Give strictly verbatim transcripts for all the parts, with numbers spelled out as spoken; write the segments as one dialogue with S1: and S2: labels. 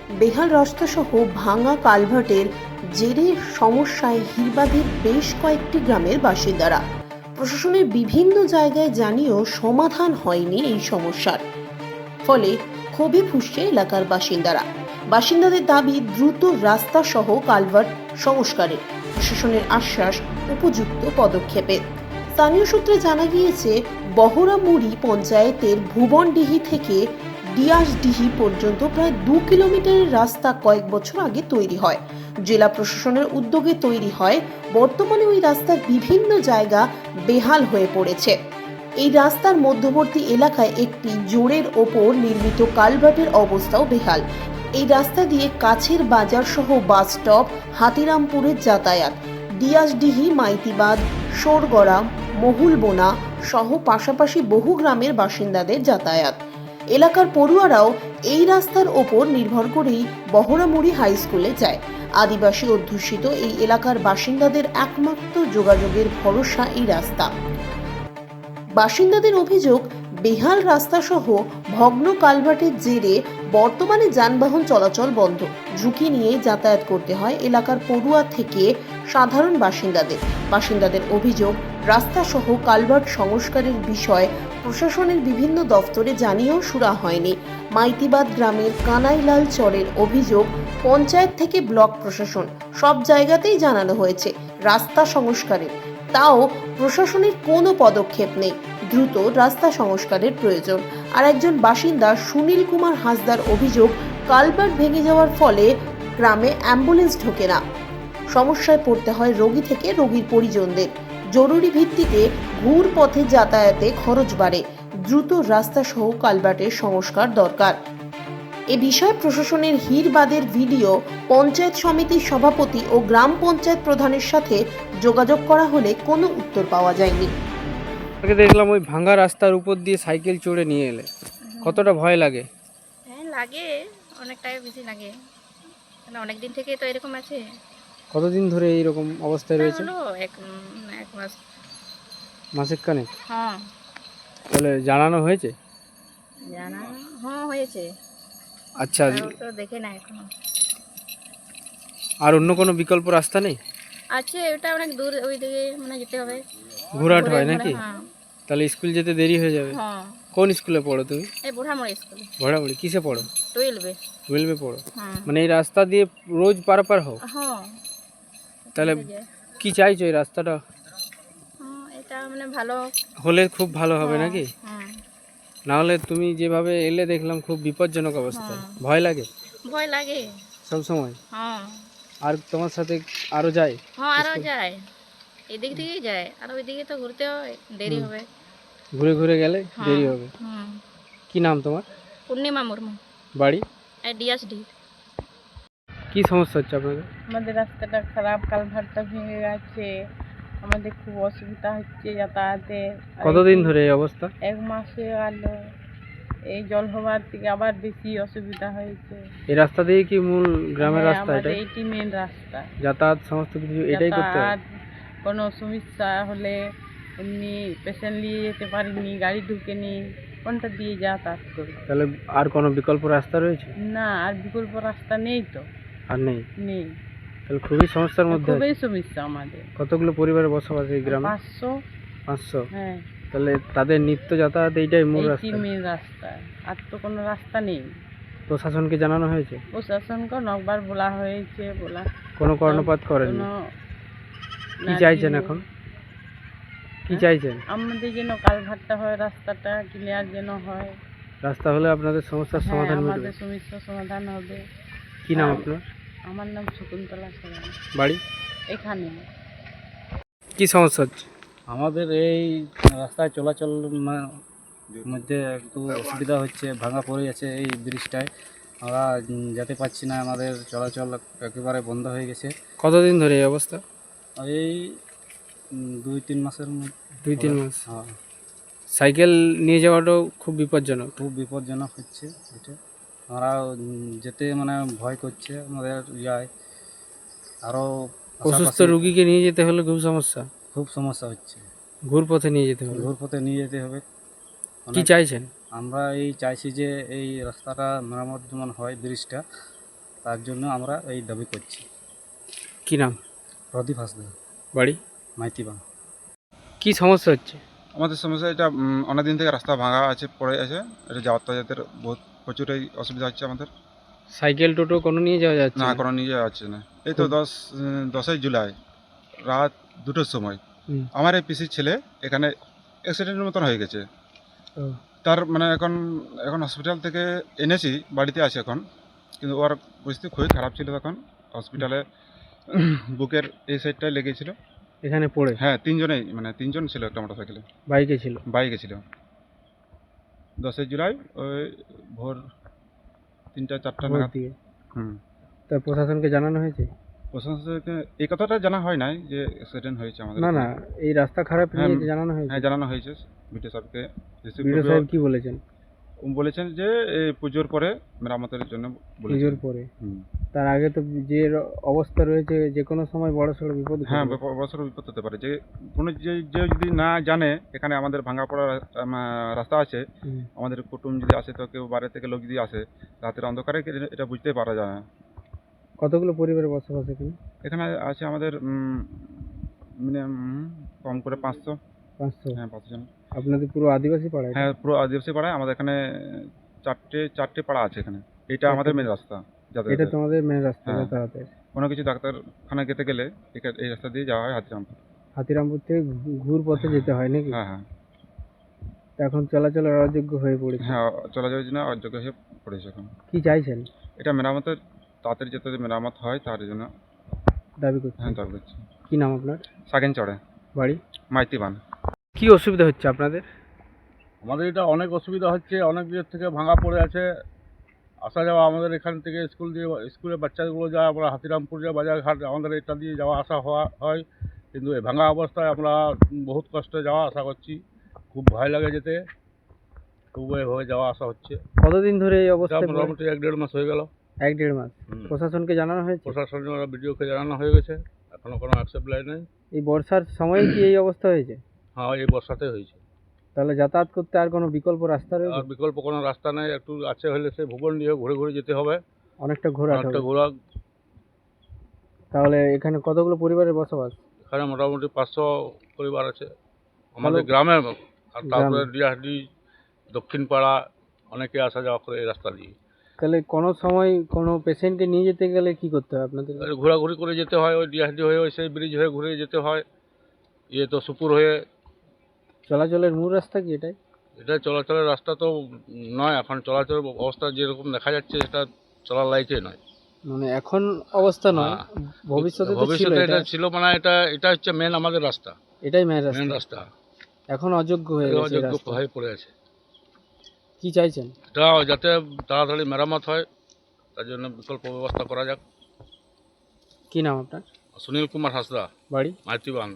S1: বেহাল রাস্তাসহ ভাঙা কালভার্টের জেরে সমস্যায় হিরবাদের বেশ কয়েকটি গ্রামের বাসিন্দারা। প্রশাসনের বিভিন্ন জায়গায় জানিয়েও সমাধান হয়নি এই সমস্যার। ফলে ক্ষোভে ফুঁসছে এলাকার বাসিন্দারা। বাসিন্দাদের দাবি দ্রুত রাস্তা সহ কালভার্ট সংস্কারে, প্রশাসনের আশ্বাস উপযুক্ত পদক্ষেপে। স্থানীয় সূত্রে জানা গিয়েছে, বহরামুড়ি পঞ্চায়েতের ভুবনডিহি থেকে ডিয়াসডিহি পর্যন্ত প্রায় দু কিলোমিটারের রাস্তা কয়েক বছর আগে তৈরি হয়। জেলা প্রশাসনের উদ্যোগে তৈরি হয়। বর্তমানে ওই রাস্তার বিভিন্ন জায়গা বেহাল হয়ে পড়েছে। এই রাস্তার মধ্যবর্তী এলাকায় একটি জোরের ওপর নির্মিত কালভার্টের অবস্থাও বেহাল। এই রাস্তা দিয়ে কাছের বাজার সহ বাস স্টপ, হাতিরামপুরের যাতায়াত, ডিয়াসডিহি, মাইতিবাদ, সোরগড়া, মহুলবোনা সহ পাশাপাশি বহু গ্রামের বাসিন্দাদের যাতায়াত। এলাকার পড়ুয়ারাও এই রাস্তার ওপর নির্ভর করেই বহরামুড়ি হাই স্কুলে যায়। আদিবাসী অধ্যুষিত এই এলাকার বাসিন্দাদের একমাত্র যোগাযোগের ভরসা এই রাস্তা। বাসিন্দাদের অভিযোগ, বেহাল রাস্তা সহ ভগ্ন কালভার্টের জেরে বর্তমানে যানবাহন চলাচল বন্ধ। ঝুঁকি নিয়ে যাতায়াত করতে হয় এলাকার পড়ুয়া থেকে সাধারণ বাসিন্দাদের। বাসিন্দাদের অভিযোগ, রাস্তা সহ কালভার্ট সংস্কারের বিষয়ে প্রশাসনের বিভিন্ন দফতরে জানিয়েও সুরা হয়নি। মাইতিবাদ গ্রামের কানাইলাল চরের অভিযোগ, পঞ্চায়েত থেকে ব্লক প্রশাসন সব জায়গাতেই জানানো হয়েছে রাস্তা সংস্কারের, তাও প্রশাসনের কোনো পদক্ষেপ নেই। দ্রুত রাস্তা সংস্কারের প্রয়োজন। আর একজন বাসিন্দা সুনীল কুমার হাসদার অভিযোগ, কালভার্ট ভেঙে যাওয়ার ফলে গ্রামে অ্যাম্বুলেন্স ঢোকে না। সমস্যায় পড়তে হয় রোগী থেকে রোগীর পরিজনদের। জরুরি ভিত্তিতে ঘুর পথে যাতায়াতে খরচ বাড়ে। দ্রুত রাস্তা সহ কালভার্টের সংস্কার দরকার। এ বিষয়ে প্রশাসনের হিরবাদের ভিডিও পঞ্চায়েত সমিতির সভাপতি ও গ্রাম পঞ্চায়েত প্রধানের সাথে যোগাযোগ করা হলে কোনো উত্তর পাওয়া যায়নি।
S2: দেখলাম ওই ভাঙা রাস্তার উপর দিয়ে সাইকেল চড়ে নিয়ে এলে, কতটা ভয় লাগে?
S3: হ্যাঁ লাগে, অনেকটাই বেশি লাগে, মানে অনেক দিন থেকে তো এরকম আছে।
S2: কতদিন ধরে এইরকম অবস্থায়
S3: তা
S2: রয়েছে?
S3: হলো এক উম, এক মাস।
S2: মাসের কানে?
S3: হ্যাঁ
S2: তাহলে জানানো হয়েছে?
S3: জানা হ্যাঁ হয়েছে,
S2: আচ্ছা,
S3: তাও তো দেখে না এখনো।
S2: আর অন্য কোনো বিকল্প রাস্তা নেই?
S3: আছে, ওটা অনেক দূর, ওই দিকে মানে যেতে হবে।
S2: ঘোরাট
S3: ঘুরে
S2: হয়
S3: ঘুরে,
S2: নাকি?
S3: হ্যাঁ
S2: তাহলে স্কুল যেতে দেরি হয়ে যাবে।
S3: হ্যাঁ।
S2: কোন স্কুলে পড়ো তুমি?
S3: এই বুড়ামড়ি স্কুলে
S2: ভোড়াবড়ি। কিসে পড়ো?
S3: টুয়েলভে।
S2: টুয়েলভে পড়ো?
S3: হ্যাঁ
S2: মানে এই রাস্তা দিয়ে রোজ পারাপার হও?
S3: হ্যাঁ।
S2: তাহলে
S3: এই যে,
S2: কি চাইছো এই রাস্তাটা
S3: হ্যাঁ, এটা মানে ভালো
S2: হলে খুব ভালো হবে
S3: হ্যাঁ,
S2: নাকি?
S3: হ্যাঁ
S2: না হলে তুমি যেভাবে এলে দেখলাম খুব বিপজ্জনক অবস্থা।
S3: হ্যাঁ।
S2: ভয় লাগে
S3: ভয় লাগে।
S2: সব সময়?
S3: হ্যাঁ
S2: আর তোমার সাথে আরো যায়?
S3: হ্যাঁ, আরও
S2: স্কুল?
S3: যায়, এদিক থেকেই যায়, আর ওইদিকে তো ঘুরতে হয়, দেরি
S2: হুম।
S3: হবে।
S2: ঘুরে ঘুরে গেলে
S3: হ্যাঁ,
S2: দেরি হবে।
S3: হুম।
S2: কি নাম তোমার?
S3: পূর্ণিমা মুর্মু,
S2: বাড়ি?
S3: ডিএসডি।
S2: কি সমস্যা হচ্ছে আপনাদের?
S4: আমাদের রাস্তাটা খারাপ, কালভার্টটা ভেঙে গেছে, আমাদের খুব অসুবিধা হচ্ছে যাতায়াতে। আর
S2: কতদিন
S4: এই
S2: ধরে এই অবস্থা?
S4: এক মাস হয়ে গেল, এই জল হওয়ার থেকে আবার বেশি অসুবিধা হয়েছে।
S2: এই রাস্তা দিয়ে কি মূল গ্রামের
S4: হ্যাঁ,
S2: রাস্তা
S4: আমাদের
S2: এটা?
S4: এইটি মেন রাস্তা।
S2: যাতায়াত সমস্ত কিছু এটাই করতে হয়?
S4: যাতায়াত কোনো সমস্যা হলে এমনি পেশেন্ট নিয়ে যেতে পারিনি, গাড়ি ঢুকেনি, কোনটা দিয়ে যাতায়াত করবো?
S2: তাহলে আর কোনো বিকল্প রাস্তা রয়েছে?
S4: না, আর বিকল্প রাস্তা নেই তো,
S2: আর নেই?
S4: নেই।
S2: তাহলে খুবই সমস্যার মধ্যে
S4: খুবই
S2: আছে।
S4: সমস্যা আমাদের।
S2: কতগুলো পরিবারের বসবাস এই গ্রামে?
S4: পাঁচশো।
S2: পাঁচশো?
S4: হ্যাঁ,
S2: তাহলে তাদের নিত্য যাতায়াত এইটাই মূল
S4: এইটি
S2: রাস্তা?
S4: মেন রাস্তা, আর তো কোনো রাস্তা নেই।
S2: প্রশাসনকে জানানো হয়েছে?
S4: প্রশাসনকে অনেকবার বলা হয়েছে, বলা
S2: কোনো কর্ণপাত করেনি?
S4: কোনো
S2: কি
S4: না
S2: চাইছেন
S4: দিয়ে-
S2: এখন? কি
S4: হ্যাঁ?
S2: চাইছেন?
S4: আমাদের যেন কালভার্টটা হয়, রাস্তাটা ক্লিয়ার যেন হয়।
S2: রাস্তা হলে আপনাদের সমস্যার
S4: হ্যাঁ,
S2: সমাধান মিলবে।
S4: আমাদের সমস্যার সমাধান হবে।
S2: কি নাম
S4: আর-
S2: আপনার?
S4: আমার নাম শকুন্তলা সোরেন।
S2: বাড়ি?
S4: এখানে
S2: কি সমস্যা হচ্ছে?
S5: আমাদের এই রাস্তায় চলাচল মা- মধ্যে একটু অসুবিধা হচ্ছে, ভাঙা পড়ে যাচ্ছে এই ব্রিজটায়, আমরা উম, যেতে পারছি না, আমাদের চলাচল একেবারে বন্ধ হয়ে গেছে।
S2: কতদিন ধরে এই অবস্থা?
S5: এই উম, দুই তিন মাসের মধ্যে।
S2: দুই তিন মাস?
S5: হ্যাঁ,
S2: সাইকেল নিয়ে যাওয়াটাও খুব বিপজ্জনক।
S5: খুব বিপজ্জনক হচ্ছে এটা। আমরা উম, যেতে মানে ভয় করছে আমাদের, যায় আরও
S2: অসুস্থ রুগীকে নিয়ে যেতে হলে খুব সমস্যা,
S5: খুব সমস্যা হচ্ছে।
S2: ঘুর পথে নিয়ে যেতে হবে।
S5: ঘুর পথে নিয়ে যেতে হবে।
S2: কি
S5: অনেক-
S2: চাইছেন?
S5: আমরা এই চাইছি যে এই রাস্তাটা মেরামত যেমন হয়, ব্রিজটা তার জন্য আমরা এই দাবি করছি।
S2: কি নাম?
S5: প্রদীপ হাসদা,
S2: বাড়ি?
S5: মাইতিবাং।
S2: কি সমস্যা হচ্ছে?
S6: আমাদের সমস্যা এটা উম, অনেকদিন থেকে রাস্তা ভাঙা আছে, পড়ে আছে, এটা যাতায়াতের বহুত প্রচুরই অসুবিধা হচ্ছে আমাদের।
S2: সাইকেল টোটো কোনো নিয়ে যাওয়া যাচ্ছে
S6: না
S2: না?
S6: কোনো নিয়ে যাওয়া যাচ্ছে না। এই তো দশ উম, দশই জুলাই রাত দুটোর সময়
S2: হুম।
S6: আমার এই পিসির ছেলে এখানে অ্যাক্সিডেন্টের মতন হয়ে গেছে।
S2: ও,
S6: তার মানে এখন এখন হসপিটাল থেকে এনেছি, বাড়িতে আছে এখন, কিন্তু ওর পরিস্থিতি খুবই খারাপ ছিল তখন। হসপিটালে বুকের এই সাইডটায় লেগেছিল।
S2: এখানে পড়ে?
S6: হ্যাঁ, তিনজনেই, মানে তিনজন ছিল একটা মোটর সাইকেলে,
S2: বাইকে ছিল?
S6: বাইকে ছিল। দশই জুলাই ওই ভোর তিনটা চারটা
S2: ভোর
S6: নাগাদ।
S2: দিকে?
S6: হুম।
S2: তা প্রশাসনকে জানানো হয়েছে?
S6: প্রশাসনকে এই কথাটা জানা হয় নাই যে অ্যাক্সিডেন্ট হয়েছে আমাদের।
S2: না না, এই রাস্তা খারাপ
S6: হ্যাঁ,
S2: নিয়ে জানানো হয়েছে?
S6: হ্যাঁ জানানো হয়েছে বিডিও সাহেবকে। রিসিভ
S2: বিডিও সাহেব কি বলেছেন?
S6: বলেছেন যে এই পুজোর পরে মেরামতের জন্য বলেছেন।
S2: পুজোর পরে?
S6: হুম।
S2: তার আগে তো যে র- অবস্থা রয়েছে, যে কোনো সময় বড় সড়ো বিপদ
S6: হ্যাঁ,
S2: ঘটবে।
S6: ব্যাপক বড়সড় বিপদ হতে পারে। যে কোনো যে যে যদি না জানে এখানে আমাদের ভাঙা পড়া রাস্তা আছে,
S2: হুম।
S6: আমাদের কুটুম যদি আসে, তো কেউ বাইরে থেকে লোক যদি আসে, রাতের অন্ধকারে কি- এটা বুঝতে পারা যায় না।
S2: কতগুলো পরিবারের বসবাস এখানে?
S6: এখানে আছে আমাদের মিনিমাম কম করে পাঁচশো।
S2: পাঁচশো?
S6: হ্যাঁ, পাঁচশো জন।
S2: আপনাদের পুরো আদিবাসী পাড়া এটা?
S6: হ্যাঁ, পুরো আদিবাসী পাড়ায় আমাদের এখানে চারটে চারটে পাড়া আছে এখানে। এটা আমাদের মেন রাস্তা
S2: এটা
S6: যাতায়াতের।
S2: তোমাদের মেন রাস্তা
S6: হ্যাঁ।
S2: যাতায়াতের?
S6: কোনো কিছু ডাক্তারখানা যেতে গেলে এখা- এই রাস্তা দিয়ে যাওয়া হয় হাতিরামপুর।
S2: হাতিরামপুর থেকে ঘু- ঘুর পথে যেতে হয় নাকি?
S6: হ্যাঁ হ্যাঁ
S2: তা এখন চলাচলের অযোগ্য হয়ে পড়েছে।
S6: হ্যাঁ, চলা যাওয়ার জন্য অযোগ্য হয়ে পড়েছে এখন।
S2: কি চাইছেন?
S6: এটা মেরামতের তাড়াতাড়ি যাতে মেরামত হয় তার জন্য
S2: দাবি করছেন?
S6: হ্যাঁ দাবি করছি।
S2: কি নাম আপনার?
S6: সাগেন চড়ে,
S2: বাড়ি?
S6: মাইতিবান।
S2: কি অসুবিধা হচ্ছে আপনাদের?
S7: আমাদের এটা অনেক অসুবিধা হচ্ছে, অনেক দিক থেকে ভাঙা পড়ে আছে। আসা যাওয়া আমাদের এখান থেকে স্কুল দিয়ে, স্কুলে বাচ্চাগুলো যায়, আমরা হাতিরামপুর যায়, বাজারঘাট, আমাদের এটা দিয়ে যাওয়া আসা হওয়া হয়। কিন্তু এই ভাঙা অবস্থায় আমরা বহুত কষ্টে যাওয়া আসা করছি, খুব ভয় লাগে যেতে, তবু এভাবে যাওয়া আসা হচ্ছে।
S2: কতদিন ধরে এই
S7: এটা
S2: অবস্থায় পড়ে?
S7: মোটামুটি এক দেড় মাস হয়ে গেল।
S2: এক দেড় মাস?
S7: হুম।
S2: প্রশাসনকে জানানো হয়েছে?
S7: প্রশাসনের বিডিওকে জানানো হয়ে গেছে, এখনও কোনো অ্যাকসেপ্ট লাই নেই।
S2: এই বর্ষার সময় কি এই অবস্থা হয়েছে?
S7: হ্যাঁ, এই বর্ষাতে হয়েছে।
S2: তাহলে যাতায়াত করতে আর কোনো বিকল্প রাস্তা
S7: আর
S2: রয়েছে?
S7: বিকল্প কোনো রাস্তা নেই, একটু আছে হলে সে ভুবন দিয়ে ঘুরে ঘুরে যেতে হবে।
S2: অনেকটা ঘোরা
S7: একটা
S2: হবে।
S7: ঘোরা।
S2: তাহলে এখানে কতগুলো পরিবারের বসবাস?
S7: এখানে মোটামুটি পাঁচশো পরিবার আছে আমাদের
S2: ভালো।
S7: গ্রামে, আর তারপরে
S2: গ্রামে।
S7: ডিআরডি, দক্ষিণ পাড়া, অনেকে আসা যাওয়া করে এই রাস্তা দিয়ে।
S2: তাহলে কোনো সময় কোনো পেশেন্টকে নিয়ে যেতে গেলে কি করতে হয় আপনাদের?
S7: আর ঘোরাঘুরি করে যেতে হয়, ওই ডিআরডি হয়ে ওই সেই ব্রিজ হয়ে ঘুরে যেতে হয়, ইয়ে তো সুপুর হয়ে।
S2: চলাচলের মূল রাস্তা কি এটাই?
S7: এটা চলাচলের রাস্তা তো নয়, এখন চলাচলের অবস্থা যেরকম দেখা যাচ্ছে সেটা চলার লাইকে নয়।
S2: মানে এখন অবস্থা নয়,
S7: হ্যাঁ।
S2: ভবিষ্যতে তো ছিল
S7: ভবিষ্যতে
S2: এটা?
S7: এটা ছিল, মানে এটা এটা হচ্ছে মেন আমাদের রাস্তা,
S2: এটাই মেন
S7: মেন
S2: রাস্তা।
S7: রাস্তা।
S2: এখন অযোগ্য হয়ে গেছে এই
S7: অযোগ্য
S2: রাস্তা।
S7: হয়ে পড়ে আছে।
S2: কি চাইছেন?
S7: এটা যাতে তাড়াতাড়ি মেরামত হয়, তার জন্য বিকল্প ব্যবস্থা করা যাক।
S2: কি নাম আপনার?
S7: সুনীল কুমার হাসদা,
S2: বাড়ি?
S7: মাইতিবাং।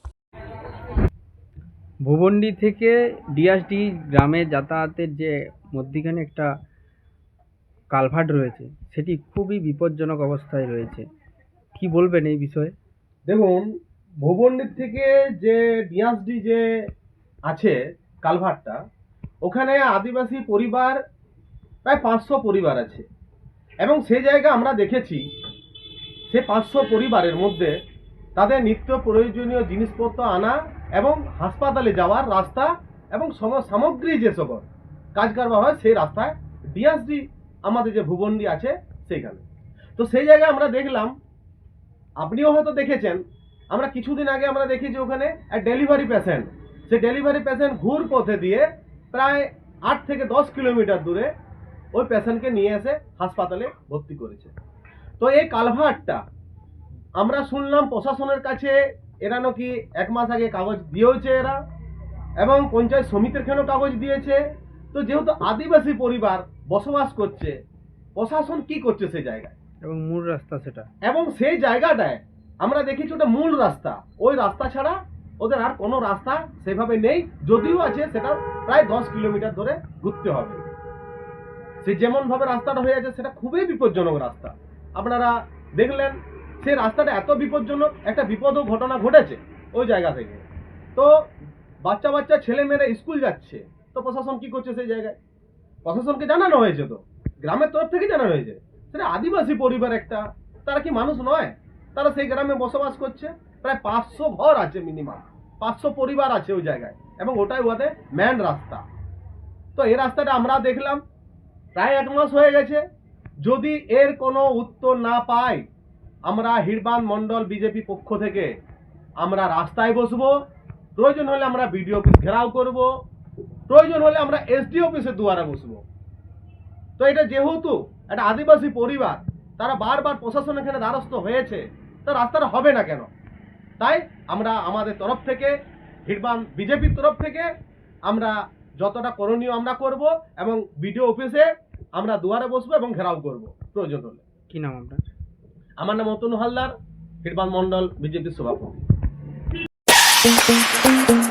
S2: ভুবন্ডি থেকে ডিএসডি গ্রামে যাতায়াতের যে মধ্যিখানে একটা কালভার্ট রয়েছে, সেটি খুবই বিপজ্জনক অবস্থায় রয়েছে। কি বলবেন এই বিষয়ে?
S8: দেখুন, ভুবনডির থেকে যে ডিএসডি যে আছে কালভারটা, ওখানে আদিবাসী পরিবার প্রায় পাঁচশো পরিবার আছে, এবং সে জায়গা আমরা দেখেছি সে পাঁচশো পরিবারের মধ্যে তাদের নিত্য প্রয়োজনীয় জিনিসপত্র আনা এবং হাসপাতালে যাওয়ার রাস্তা এবং সম সামগ্রী যে সকল কাজ কারবার হয় সেই রাস্তায় ডিএসডি আমাদের যে ভুবনডি আছে সেইখানে। তো সেই জায়গায় আমরা দেখলাম, আপনিও হয়তো দেখেছেন, আমরা কিছুদিন আগে আমরা দেখেছি ওখানে এক ডেলিভারি পেশেন্ট, সে ডেলিভারি পেশেন্ট ঘুর পথে দিয়ে প্রায় আট থেকে দশ কিলোমিটার দূরে ওই পেশেন্টকে নিয়ে এসে হাসপাতালে ভর্তি করেছে। তো এই কালভার্টটা আমরা শুনলাম প্রশাসনের কাছে এরা নাকি এক মাস আগে কাগজ দিয়েছে এরা, এবং পঞ্চায়েত সমিতির খানেও কাগজ দিয়েছে। তো যেহেতু আদিবাসী পরিবার বসবাস করছে, প্রশাসন কি করছে সেই জায়গায়?
S2: এবং মূল রাস্তা সেটা,
S8: এবং সেই জায়গাটায় আমরা দেখেছি ওটা মূল রাস্তা, ওই রাস্তা ছাড়া ওদের আর কোনো রাস্তা সেভাবে নেই, যদিও আছে সেটা প্রায় দশ কিলোমিটার ধরে ঘুরতে হবে। সে যেমনভাবে রাস্তাটা হয়ে আছে সেটা খুবই বিপজ্জনক রাস্তা। আপনারা দেখলেন সেই রাস্তাটা এত বিপজ্জনক, একটা বিপদও ঘটনা ঘটেছে ওই জায়গা থেকে। তো বাচ্চা বাচ্চা ছেলে মেয়েরা স্কুল যাচ্ছে, তো প্রশাসন কি করছে সেই জায়গায়? প্রশাসনকে জানানো হয়েছে, তো গ্রামের তরফ থেকে জানানো হয়েছে, সেটা আদিবাসী পরিবার একটা, তারা কি মানুষ নয়? তারা সেই গ্রামে বসবাস করছে, প্রায় পাঁচশো ঘর আছে, মিনিমাম পাঁচশো পরিবার আছে ওই জায়গায়, এবং ওটাই ওদের মেন রাস্তা। তো এই রাস্তাটা আমরা দেখলাম প্রায় এক মাস হয়ে গেছে। যদি এর কোনো উত্তর না পাই, আমরা হিড়বাঁধ মণ্ডল বিজেপি পক্ষ থেকে আমরা রাস্তায় বসবো, প্রয়োজন হলে আমরা বিডিও অফিস ঘেরাও করব, প্রয়োজন হলে আমরা এসডি অফিসের দুয়ারে বসবো। তো এটা যেহেতু একটা আদিবাসী পরিবার, তারা বারবার প্রশাসন এখানে দ্বারস্থ হয়েছে, তো রাস্তাটা হবে না কেন? তাই আমরা আমাদের তরফ থেকে, হিড়বাঁধ বিজেপির তরফ থেকে আমরা যতটা করণীয় আমরা করব, এবং বিডিও অফিসে আমরা দুয়ারে বসবো এবং ঘেরাও করব প্রয়োজন হলে।
S2: কি নাম আপনার?
S8: আমার নাম অতনু হালদার, হিড়বাঁধ মণ্ডল বিজেপির সভাপতি।